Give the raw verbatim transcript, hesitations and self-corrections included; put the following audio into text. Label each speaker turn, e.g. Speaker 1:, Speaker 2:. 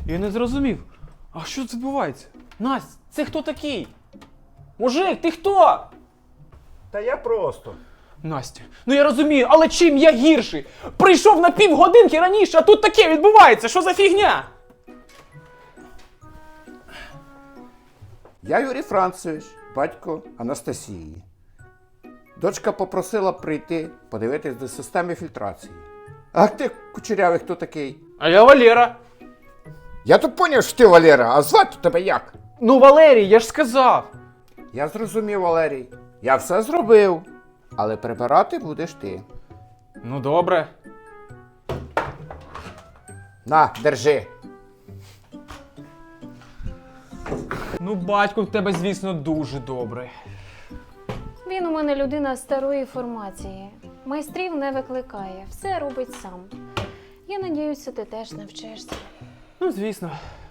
Speaker 1: Я не зрозумів. А що це відбувається? Настя, це хто такий? Мужик, ти хто?
Speaker 2: Та я просто.
Speaker 1: Настя, ну я розумію, але чим я гірший? Прийшов на півгодинки раніше, а тут таке відбувається. Що за фігня?
Speaker 3: Я Юрій Францевич, батько Анастасії. Дочка попросила прийти подивитись до системи фільтрації. А ти, кучерявий, хто такий?
Speaker 1: А я Валера.
Speaker 3: Я то поняв, що ти Валера, а звати тебе як?
Speaker 1: Ну, Валерій, я ж сказав.
Speaker 3: Я зрозумів, Валерій. Я все зробив. Але прибирати будеш ти.
Speaker 1: Ну, добре.
Speaker 3: На, держи.
Speaker 1: Ну, батько в тебе, звісно, дуже добрий.
Speaker 4: Він у мене людина старої формації. Майстрів не викликає, все робить сам. Я надіюся, ти теж навчишся.
Speaker 1: Ну, звісно.